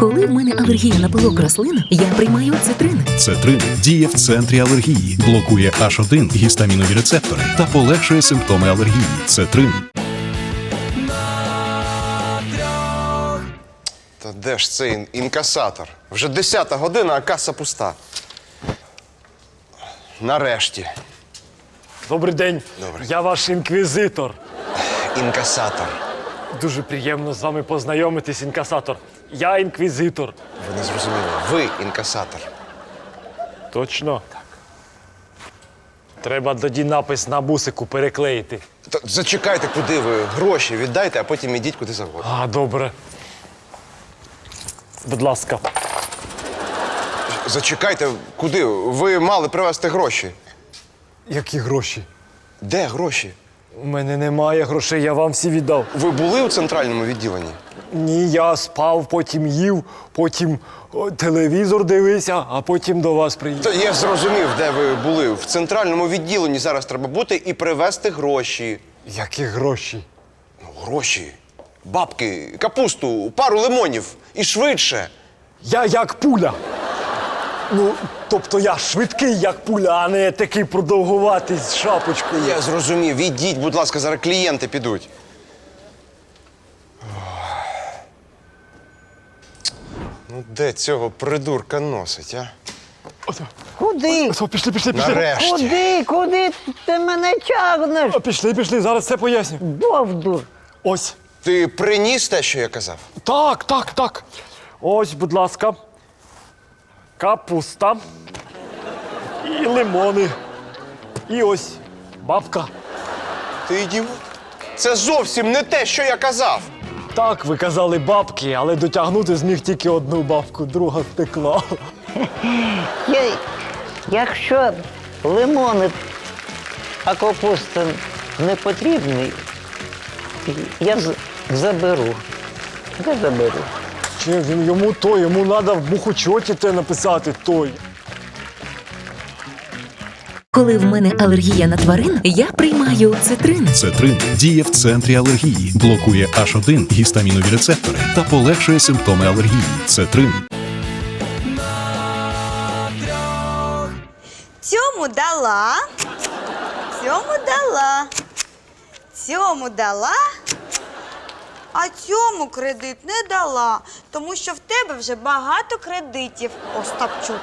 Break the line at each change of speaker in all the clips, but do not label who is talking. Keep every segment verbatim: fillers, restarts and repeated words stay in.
Коли в мене алергія на пилок рослин, я приймаю цитрин.
Цетрин діє в центрі алергії, блокує аш один гістамінові рецептори та полегшує симптоми алергії. Цетрин.
Та де ж цей ін- інкасатор? Вже десята година, а каса пуста. Нарешті.
Добрий день.
Добрий.
Я ваш інквізитор.
Інкасатор.
Дуже приємно з вами познайомитись, інкасатор. Я інквізитор.
Ви не зрозуміли. Ви інкасатор.
Точно? Так. Треба тоді напис на бусику переклеїти.
Та зачекайте, куди ви. Гроші віддайте, а потім ідіть куди завгодно.
А, добре. Будь ласка.
Зачекайте, куди? Ви мали привезти гроші.
Які гроші?
Де гроші?
У мене немає грошей, я вам всі віддав.
Ви були у центральному відділенні?
Ні, я спав, потім їв, потім о, телевізор дивився, а потім до вас приїхав.
Та я зрозумів, де ви були. В центральному відділенні зараз треба бути і привезти гроші.
Які гроші?
Ну, гроші. Бабки, капусту, пару лимонів. І швидше.
Я як пуля. Ну, тобто я швидкий, як пуля, а не такий продовгуватий з шапочкою.
Я зрозумів. Ідіть, будь ласка, зараз клієнти підуть. Ну, де цього придурка носить, а?
Куди?
О, пішли, пішли, пішли.
Нарешті.
Куди? Куди ти мене тягнеш?
О, пішли, пішли, зараз все поясню.
Бовдур.
Ось.
Ти приніс те, що я казав?
Так, так, так. Ось, будь ласка. Капуста. І лимони. І ось бабка.
Ти ідіот. Це зовсім не те, що я казав.
Так, ви казали бабки, але дотягнути зміг тільки одну бабку, друга втекла.
Я, якщо лимони, а капуста не потрібні, я з- заберу. Я заберу.
Чи він йому то, йому треба в бухучоті те написати той.
Коли в мене алергія на тварин, я приймаю цитрин.
Цетрин діє в центрі алергії, блокує аш один гістамінові рецептори та полегшує симптоми алергії. Цетрин.
Цьому дала, цьому дала, цьому дала, а цьому кредит не дала, тому що в тебе вже багато кредитів, Остапчук.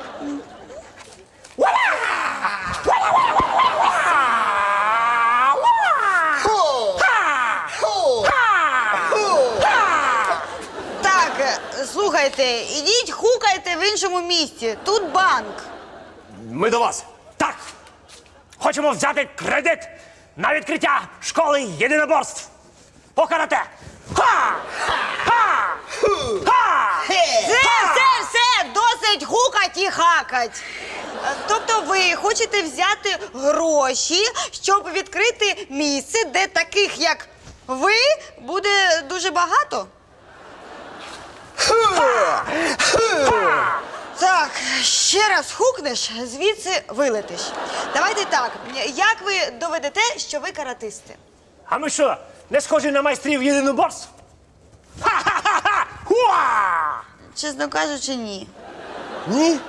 Так, е, слухайте, ідіть хукайте в іншому місці, тут банк.
Ми до вас. Так. Хочемо взяти кредит на відкриття школи єдиноборств. По карате. Ха! Ха! Ха!
Все, все, все, досить хукать і хакать. Е, Тобто ви хочете взяти гроші, щоб відкрити місце, де таких, як ви, буде дуже багато? Так, ще раз хукнеш, звідси вилетиш. Давайте так, як ви доведете, що ви каратисти?
А ми що, не схожі на майстрів єдиноборств? Ха-ха-ха-ха! Хуа!
Чесно кажучи, ні.
Ні?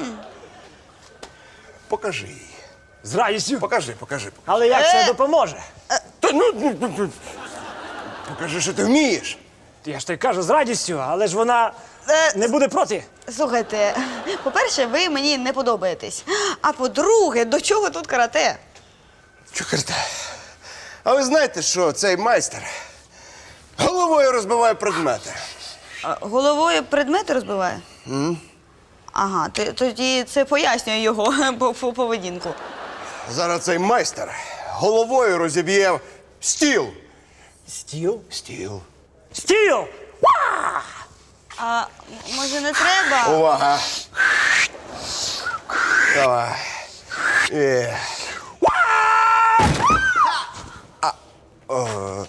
Покажи її.
З радістю.
Покажи, покажи.
Але як
Е.
це допоможе?
Та ну, ну, ну, ну. Покажи, що ти вмієш.
Я ж тобі кажу з радістю, але ж вона
Е.
не буде проти.
Слухайте, по-перше, ви мені не подобаєтесь. А по-друге, до чого тут карате?
Чукарте. А ви знаєте, що цей майстер головою розбиває предмети?
А, головою предмети розбиває? Mm. Ага, т- тоді це пояснює його по- по- поведінку.
Зараз цей майстер головою розіб'є стіл.
Стіл?
Стіл.
Стіл! Ва!
А м- може не треба?
Увага. Давай. Є. А, о.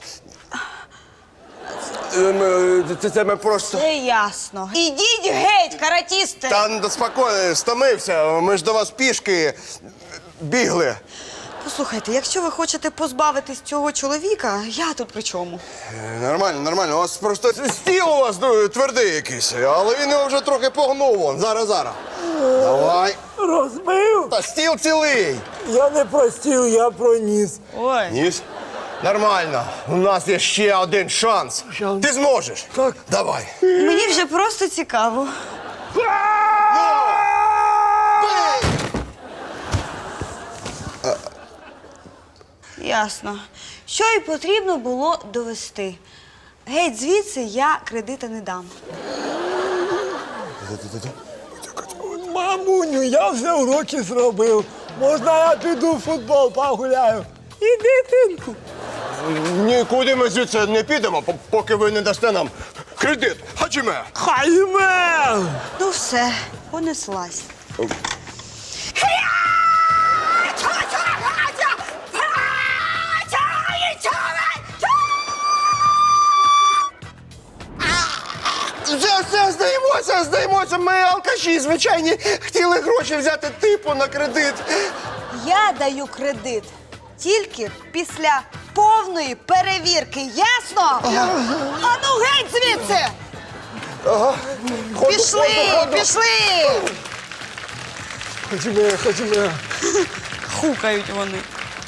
Ем, Це, це ми просто...
Це ясно. Ідіть геть, каратісти!
Та ну, спокійно, стомився. Ми ж до вас пішки бігли.
Послухайте, якщо ви хочете позбавитись цього чоловіка, я тут при чому?
Е, Нормально, нормально. У вас просто стіл у вас ну, твердий якийсь, але він його вже трохи погнув. Вон. Зараз, зараз. Давай.
Розбив?
Та стіл цілий.
Я не про стіл, я про ніс.
Ой.
Ніс? Нормально. У нас є ще один шанс.
Шанс?
Ти зможеш.
Так.
Давай.
Мені вже просто цікаво. Ясно. Що і потрібно було довести. Геть звідси я кредита не дам.
Мамуню, я вже уроки зробив. Можна я піду в футбол погуляю? Іди, синку.
Нікуди ми звідси не підемо, по- поки ви не дасте нам кредит. Хаджиме.
Хайме!
Ну все, понеслась.
Все, все, здаємося, здаємося. Ми алкаші, звичайні, хотіли гроші взяти типу на кредит.
Я даю кредит тільки після повної перевірки, ясно? А ну геть звідси!
Ходу,
Пішли,
ходу, ходу.
пішли!
Ходімо, ходімо.
Хукають вони.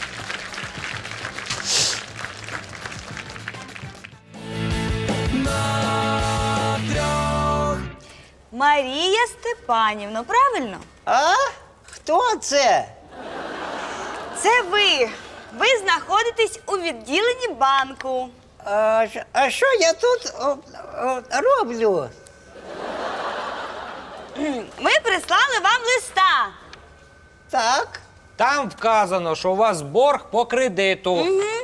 Марія Степанівна, правильно?
А? Хто це?
Це ви. Ви знаходитесь у відділенні банку.
А, ж- а що я тут о, о, роблю?
Ми прислали вам листа.
Так.
Там вказано, що у вас борг по кредиту.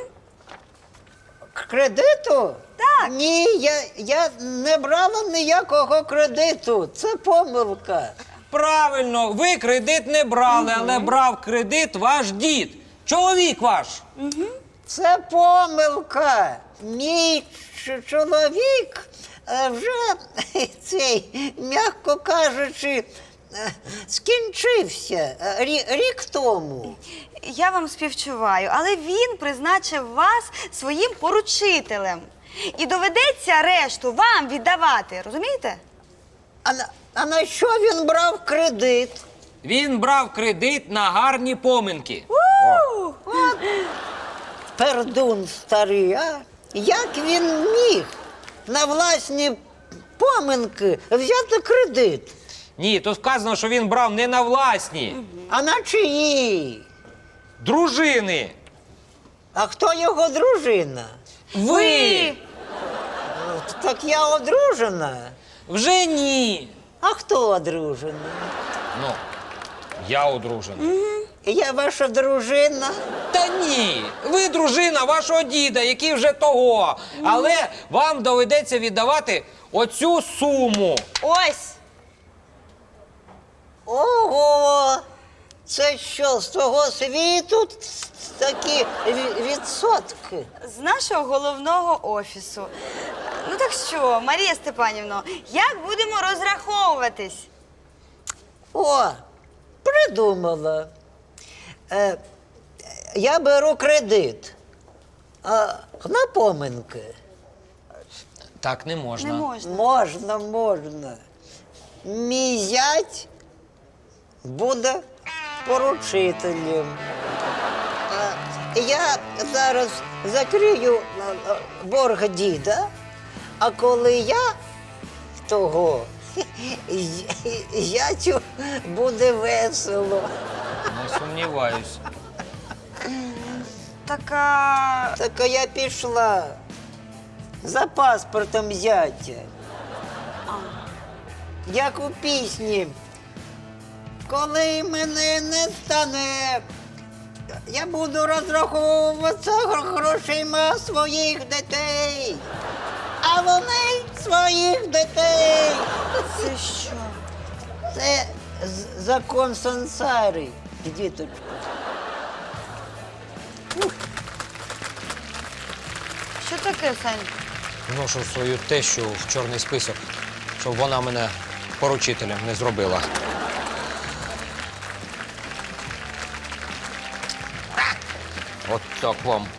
К кредиту?
Так.
Ні, я, я не брала ніякого кредиту. Це помилка.
Правильно, ви кредит не брали, але брав кредит ваш дід. Чоловік ваш.
Це помилка. Мій ч- чоловік е, вже цей, м'яко кажучи, е, скінчився е, рі- рік тому.
Я вам співчуваю, але він призначив вас своїм поручителем. І доведеться решту вам віддавати, розумієте?
А на, а на що він брав кредит?
Він брав кредит на гарні поминки.
Пердун старий, а? Як він міг на власні поминки взяти кредит?
Ні, тут вказано, що він брав не на власні.
А на чиї?
Дружини.
А хто його дружина?
Ви.
Так я одружена.
Вже ні.
А хто одружений?
Ну, я одружений.
Я ваша дружина.
Та ні, ви дружина вашого діда, який вже того. Але вам доведеться віддавати оцю суму.
Ось!
Ого! Це що, з того світу такі ві- відсотки?
З нашого головного офісу. Ну так що, Марія Степанівна, як будемо розраховуватись?
О, придумала. Е, я беру кредит. А на поминки.
Так не можна.
Не можна.
Можна, можна. Мій зять буде поручителем. А я зараз закрию а, а, борг діда, а коли я того, з- зятю буде весело.
Не сумніваюсь.
Така.
Так а я пішла за паспортом зятя. Як у пісні. Коли мене не стане, я буду розраховуватися гр- грошима своїх дітей. А вони своїх дітей.
Це що?
Це з- закон сансари, діточко.
Що таке, Сань?
Вношу свою тещу в чорний список, щоб вона мене поручителем не зробила. От так вам.